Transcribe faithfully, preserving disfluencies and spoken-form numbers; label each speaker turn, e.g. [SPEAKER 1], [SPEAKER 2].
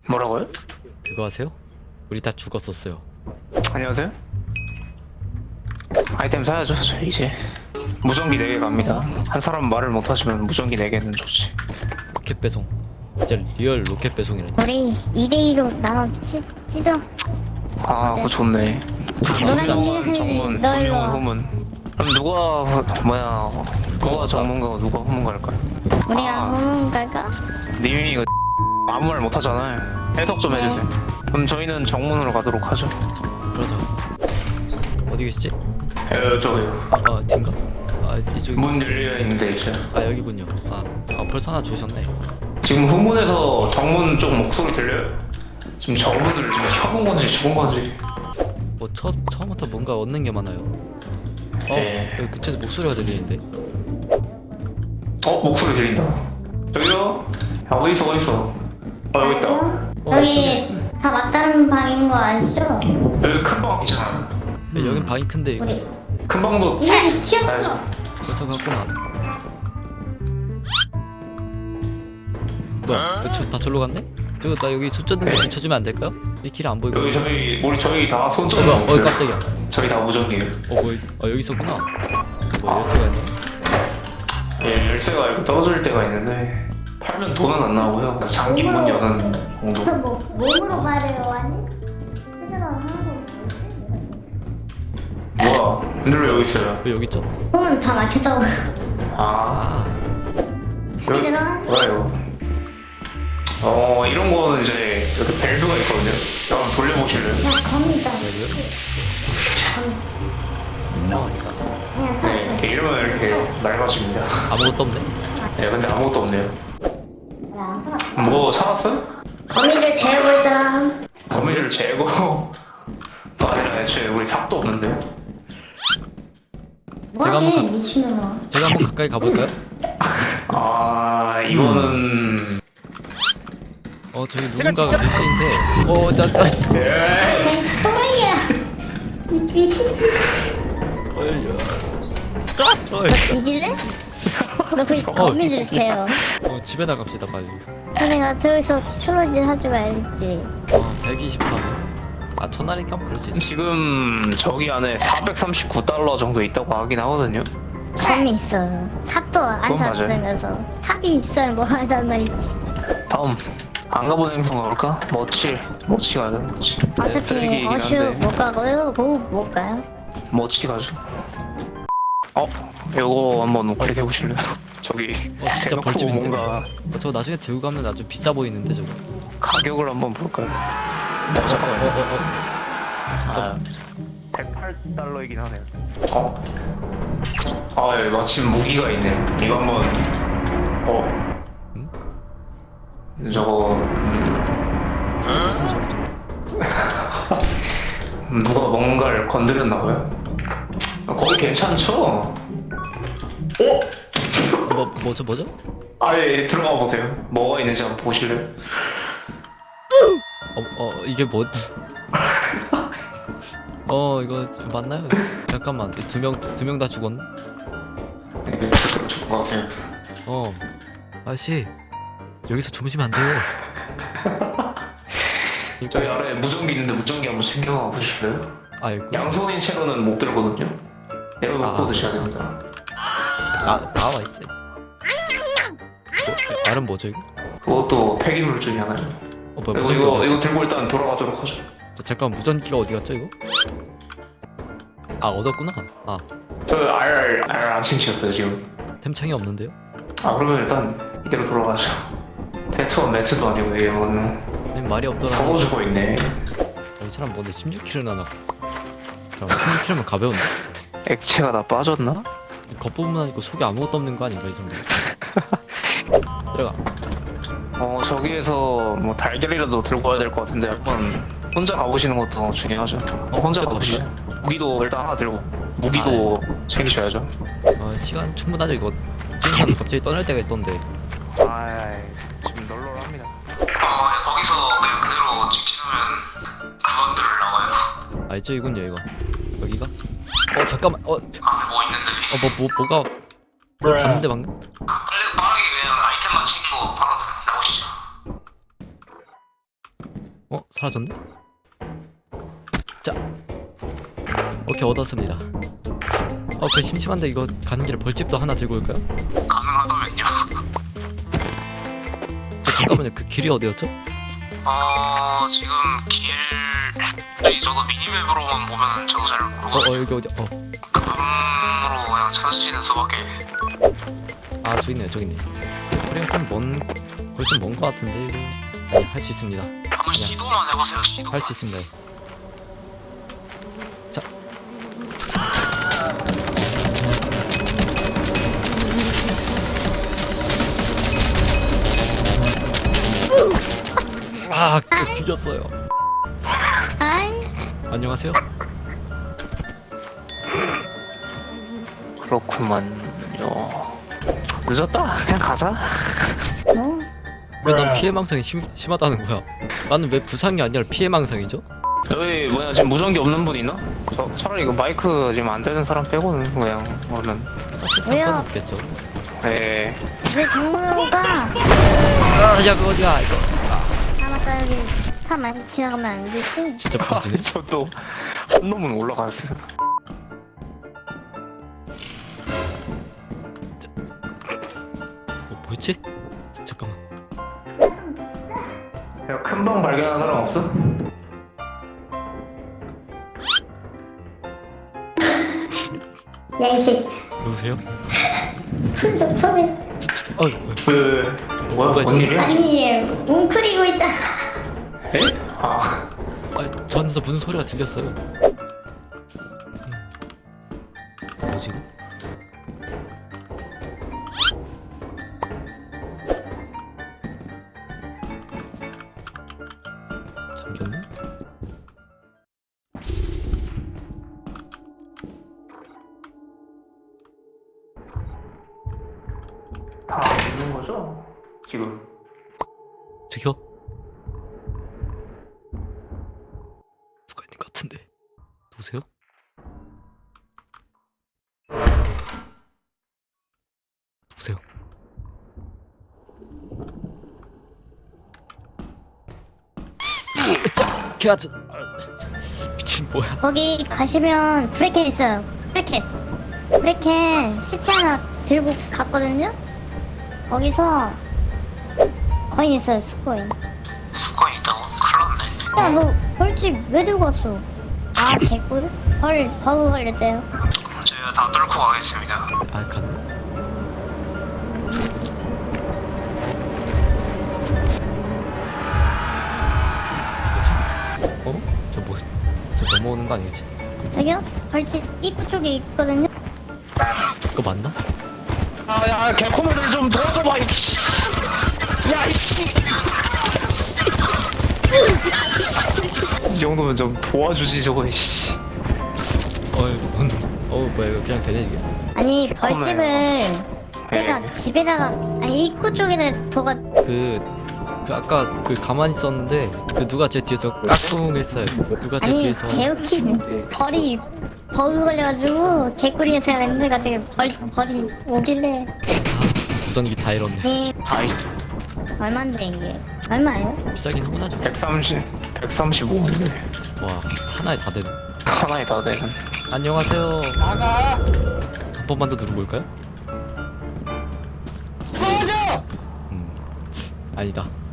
[SPEAKER 1] 뭐라고요?
[SPEAKER 2] 그거 아세요? 우리 다 죽었었어요.
[SPEAKER 1] 안녕하세요. 아이템 사야죠. 저 이제 무전기 네 개 갑니다. 한 사람 말을 못하시면 무전기 네 개는 좋지.
[SPEAKER 2] 로켓 배송. 진짜 리얼 로켓 배송이라니.
[SPEAKER 3] 우리 이 대 이로 나눠 찌, 찌더.
[SPEAKER 1] 아 그거 좋네.
[SPEAKER 3] 노란
[SPEAKER 1] 정문,
[SPEAKER 3] 띠
[SPEAKER 1] 정문,
[SPEAKER 3] 너 일로
[SPEAKER 1] 후문,
[SPEAKER 3] 와.
[SPEAKER 1] 후문. 그럼 누가 후- 뭐야 누가 정문가고 누가 후문갈까요?
[SPEAKER 3] 우리가
[SPEAKER 1] 아.
[SPEAKER 3] 후문 갈까?
[SPEAKER 1] 님이 이거 아무 말 못하잖아요. 해석 좀
[SPEAKER 3] 네.
[SPEAKER 1] 해주세요. 그럼 저희는 정문으로 가도록 하죠.
[SPEAKER 2] 그러자. 어디 계시지?
[SPEAKER 1] 에, 저기요.
[SPEAKER 2] 아, 아 뒤인가? 아 이쪽.
[SPEAKER 1] 문 열려 있는데 있어요.
[SPEAKER 2] 아 여기군요. 아, 아 벌써 하나 주셨네.
[SPEAKER 1] 지금 후문에서 정문 쪽 목소리 들려요? 지금 정문을 지금 켜본 건지 죽은 건지.
[SPEAKER 2] 뭐 처, 처음부터 뭔가 얻는 게 많아요. 어?
[SPEAKER 1] 예.
[SPEAKER 2] 여기 그쪽에서 목소리가 들리는데?
[SPEAKER 1] 어 목소리 들린다. 저기요. 야, 어디 있어 어디 있어? 아 여기 있다.
[SPEAKER 2] 어,
[SPEAKER 3] 여기 다 맞다른 방인 거 아시죠?
[SPEAKER 1] 여기 큰 방 있잖아.
[SPEAKER 2] 야, 여긴 방이 큰데 이거.
[SPEAKER 3] 우리
[SPEAKER 1] 큰 방도.
[SPEAKER 3] 야 튀었어.
[SPEAKER 2] 벌써 갔구나. 뭐야? 그 저, 다 절로 갔네? 저거 나 여기 숫자는 거 붙여주면 안 될까요? 이 길 안 보이고.
[SPEAKER 1] 여기 저희 우리 저희 다 손전등
[SPEAKER 2] 뭐야? 어
[SPEAKER 1] 없어요.
[SPEAKER 2] 깜짝이야.
[SPEAKER 1] 저희 다 무전기예요.
[SPEAKER 2] 어 뭐? 아 여기 있었구나. 뭐 열쇠가 있네.
[SPEAKER 1] 예 열쇠가 이렇게 떨어질 때가 있는데 팔면 돈은 안 나오고요. 그냥 잠긴 문 여는 정도.
[SPEAKER 3] 뭐 몸으로 가래요 아니? 헤드랑 하나도
[SPEAKER 1] 뭐야? 근데 왜 여기 있어요?
[SPEAKER 2] 왜 여기 있죠?
[SPEAKER 3] 후문 다 막혔다고.
[SPEAKER 1] 아
[SPEAKER 2] 아
[SPEAKER 1] 여기
[SPEAKER 3] 얘들아.
[SPEAKER 1] 뭐예요? 어 이런 거는 이제 이렇게 밸브가 있거든요. 한번 돌려보실래요?
[SPEAKER 3] 야 겁니다.
[SPEAKER 2] 여기요?
[SPEAKER 3] 그냥
[SPEAKER 1] 네 이렇게 이러면 이렇게 낡아집니다.
[SPEAKER 2] 아무것도 없네.
[SPEAKER 1] 네 근데 아무것도 없네요. 뭐 사왔어요?
[SPEAKER 3] 거미줄 재워볼 사람.
[SPEAKER 1] 거미줄 재고 아니라 애초에 우리 삽도 없는데.
[SPEAKER 2] 제가 한번
[SPEAKER 3] 뭐하게
[SPEAKER 2] 가-
[SPEAKER 3] 미친놈아.
[SPEAKER 2] 제가 한번 가까이 가볼까요?
[SPEAKER 1] 아 이거는
[SPEAKER 2] 어 저기 누군가가 계시는데. 어 짜짜.
[SPEAKER 1] 예.
[SPEAKER 3] 야 또라이야. 이 미친지. 너 뒤질래? 너그 거미줄 재요.
[SPEAKER 2] 어 집에 나갑시다 빨리.
[SPEAKER 3] 내가 저기서 트로질 하지 말지.
[SPEAKER 2] 어 백이십삼. 아 첫날이니까 그럴 수 있지.
[SPEAKER 1] 지금 저기 안에 사백삼십구 달러 정도 있다고 하긴 하거든요.
[SPEAKER 3] 섬이 있어요. 삽도 안
[SPEAKER 1] 그건 맞아요.
[SPEAKER 3] 샀으면서 삽이 있어야 뭘 하단 말이지.
[SPEAKER 1] 다음 안 가본 행성 가볼까? 멋지 멋지 가자 멋지.
[SPEAKER 3] 어차피
[SPEAKER 1] 쓰레기이긴
[SPEAKER 3] 어슈
[SPEAKER 1] 한데.
[SPEAKER 3] 못 가고요. 보급 못 가요.
[SPEAKER 1] 멋지 가죠. 어 요거 한번 클릭 해보실래요? 저기
[SPEAKER 2] 어 진짜
[SPEAKER 1] 대놓고
[SPEAKER 2] 벌집인데.
[SPEAKER 1] 뭔가
[SPEAKER 2] 어, 저거 나중에 들고 가면 아주 비싸 보이는데 저거.
[SPEAKER 1] 가격을 한번 볼까요? 어
[SPEAKER 2] 어,
[SPEAKER 1] 잠깐만요.
[SPEAKER 2] 어, 어. 잠깐.
[SPEAKER 1] 아, 백팔 달러이긴 하네요. 어? 아, 예, 마침 무기가 있네요. 이거 한번, 어?
[SPEAKER 2] 응?
[SPEAKER 1] 저거, 음,
[SPEAKER 2] 무슨 소리죠?
[SPEAKER 1] 음, 누가 뭔가를 건드렸나봐요? 아, 거기 괜찮죠? 어?
[SPEAKER 2] 어, 뭐 뭐죠 뭐죠?
[SPEAKER 1] 아, 예, 예, 들어가 보세요. 뭐가 있는지 한번 보실래요?
[SPEAKER 2] 어, 어 이게 뭐? 어 이거 맞나요? 잠깐만 두 명 두 명 다 죽었네?
[SPEAKER 1] 네, 그렇죠. 것 같아요.
[SPEAKER 2] 어 아저씨 여기서 주무시면 안 돼요.
[SPEAKER 1] 저기 아래 무전기 있는데 무전기 한번 챙겨가 보실래요?
[SPEAKER 2] 아 있고.
[SPEAKER 1] 양손인 채로는 못 들거든요? 내려놓고
[SPEAKER 2] 아.
[SPEAKER 1] 드셔야 됩니다.
[SPEAKER 2] 나 나와 있어. 어, 말은 뭐죠 이거?
[SPEAKER 1] 그것도 폐기물 중에 하나죠.
[SPEAKER 2] 어 뭐야
[SPEAKER 1] 그리고
[SPEAKER 2] 무전기
[SPEAKER 1] 이거,
[SPEAKER 2] 어디
[SPEAKER 1] 이거
[SPEAKER 2] 갔지?
[SPEAKER 1] 들고 일단 돌아가도록 하죠.
[SPEAKER 2] 저, 잠깐 무전기가 어디 갔죠 이거? 아 얻었구나. 아
[SPEAKER 1] 저 R, R 안 챙기셨어요 지금.
[SPEAKER 2] 템창이 없는데요?
[SPEAKER 1] 아 그러면 일단 이대로 돌아가죠. 테트와 매트도 아니고 이거는
[SPEAKER 2] 아니, 말이 없더라.
[SPEAKER 1] 사고주고 있네.
[SPEAKER 2] 이 사람 뭔데 십육 킬로나 나. 십육 킬로면 가벼운데?
[SPEAKER 1] 액체가 다 빠졌나?
[SPEAKER 2] 겉부분만 아니고 속에 아무것도 없는 거 아닌가 이 정도? 들어가.
[SPEAKER 1] 어 저기에서 뭐 달걀이라도 들고 와야 될 것 같은데 한번 혼자 가보시는 것도 중요하죠. 어, 혼자
[SPEAKER 2] 혼자
[SPEAKER 1] 가보시죠. 무기도 일단 하나 들고 무기도 챙기셔야죠.
[SPEAKER 2] 어, 시간 충분하죠 이거. 띵산 갑자기 떠날 때가 있던데.
[SPEAKER 1] 아 지금 널널합니다. 어 거기서 그냥 그대로 찍히면 그것들 나와요.
[SPEAKER 2] 아 있죠 이군요 이거. 여기가? 어 잠깐만. 어.
[SPEAKER 1] 아뭐 있는데.
[SPEAKER 2] 어뭐 뭐 뭐가 뭐 봤는데 방금?
[SPEAKER 1] 빨리 빠르게 그냥 아이템만 챙기고 바로 나오시죠.
[SPEAKER 2] 어? 사라졌네? 자 오케이 얻었습니다. 어 그 심심한데 이거 가는 길에 벌집도 하나 들고 올까요?
[SPEAKER 1] 가능하다면요.
[SPEAKER 2] 저 잠깐만요 그 길이 어디였죠?
[SPEAKER 1] 어 지금 길 저기 저거 미니맵으로만 보면 저거 잘
[SPEAKER 2] 어,
[SPEAKER 1] 모르고
[SPEAKER 2] 어 여기 어디 어.
[SPEAKER 1] 감으로 그냥 찾으시는 수밖에.
[SPEAKER 2] 아 저기 있네요 저기 있네. 거리가 좀먼 거리 좀 먼 거 같은데 이거 아니 할 수 있습니다.
[SPEAKER 1] 한번
[SPEAKER 2] 그냥.
[SPEAKER 1] 시도만 해보세요. 시도.
[SPEAKER 2] 할 수 있습니다. 자. 아, 그 뒤졌어요.
[SPEAKER 3] 아이,
[SPEAKER 2] 안녕하세요.
[SPEAKER 1] 그렇구만요. 늦었다. 그냥 가자.
[SPEAKER 3] 뭐?
[SPEAKER 2] 왜 난 피해망상이 심, 심하다는 거야? 나는 왜 부상이 아니라 피해망상이죠?
[SPEAKER 1] 여기 뭐야 지금 무전기 없는 분 있나? 저 차라리 이거 마이크 지금 안 되는 사람 빼고는 그냥 얼른.
[SPEAKER 2] 사실
[SPEAKER 3] 왜요?
[SPEAKER 2] 상관없겠죠.
[SPEAKER 1] 네.
[SPEAKER 3] 왜 정문으로 가?
[SPEAKER 2] 아, 야, 그 어디야 이거?
[SPEAKER 3] 아, 맞다, 여기 차 많이 지나가면 안 되지?
[SPEAKER 2] 진짜 부서지네.
[SPEAKER 1] 저도 한 놈은 올라갔어요.
[SPEAKER 2] 어, 뭐였지? 잠깐만.
[SPEAKER 1] 큰 방 발견한 사람 없어?
[SPEAKER 3] 야, 이씨.
[SPEAKER 2] 누구세요?
[SPEAKER 3] 풀도 풀이.
[SPEAKER 2] 어, 어,
[SPEAKER 1] 그 뭐야
[SPEAKER 2] 뭐가
[SPEAKER 1] 뭔
[SPEAKER 2] 있어?
[SPEAKER 1] 일이야?
[SPEAKER 3] 아니, 웅크리고 있잖아.
[SPEAKER 1] 에? 아
[SPEAKER 2] 아, 저 안에서 무슨 소리가 들렸어요? 음. 뭐지? 이거? 잠겼네?
[SPEAKER 1] 다 있는 거죠? 지금.
[SPEAKER 2] 저기요? 누가 있는 것 같은데 누구세요? 누구세요? 자, 걔아저 미친 뭐야?
[SPEAKER 3] 거기 가시면 브레켓 있어요. 브레켓. 브레켓 시체 하나 들고 갔거든요? 거기서 거인 있어요, 수코인.
[SPEAKER 1] 수건 있다고? 큰일 났네.
[SPEAKER 3] 야, 너 벌집 왜 들고 왔어? 아, 개꿀? 벌, 버그 걸렸대요.
[SPEAKER 1] 제가 다 뚫고 가겠습니다.
[SPEAKER 2] 아 갔네. 뭐지? 어? 저 뭐? 저 넘어오는 거 아니겠지?
[SPEAKER 3] 저기요? 벌집 입구 쪽에 있거든요?
[SPEAKER 2] 그거 맞나?
[SPEAKER 1] 아야 개코맨을 좀 도와줘봐 이 야 이씨 이 정도면 좀 도와주지 저거 이씨.
[SPEAKER 2] 어이 뭔? 어 뭐야 이거 그냥 되냐 이게?
[SPEAKER 3] 아니, 벌집을 제가
[SPEAKER 1] 네.
[SPEAKER 3] 집에다가, 아니, 입구 쪽에다 둬가,
[SPEAKER 2] 그, 그 아까 그 가만히 있었는데 그 누가 제 뒤에서 까꿍했어요. 누가 제
[SPEAKER 3] 아니,
[SPEAKER 2] 뒤에서
[SPEAKER 3] 개웃긴 벌이 버그 걸려가지고 개꿀이가 제가 렌즈가 되게 벌, 벌이 오길래.
[SPEAKER 2] 아, 무전기 다 잃었네.
[SPEAKER 3] 네,
[SPEAKER 1] 아이
[SPEAKER 3] 얼만데 이게? 얼마예요?
[SPEAKER 2] 비싸긴 하구나죠.
[SPEAKER 1] 백삼십 백삼십오인데
[SPEAKER 2] 와 하나에 다 되네.
[SPEAKER 1] 하나에 다 되는.
[SPEAKER 2] 안녕하세요. 나가. 한 번만 더 누르고 올까요? 꺼져. 음 아니다.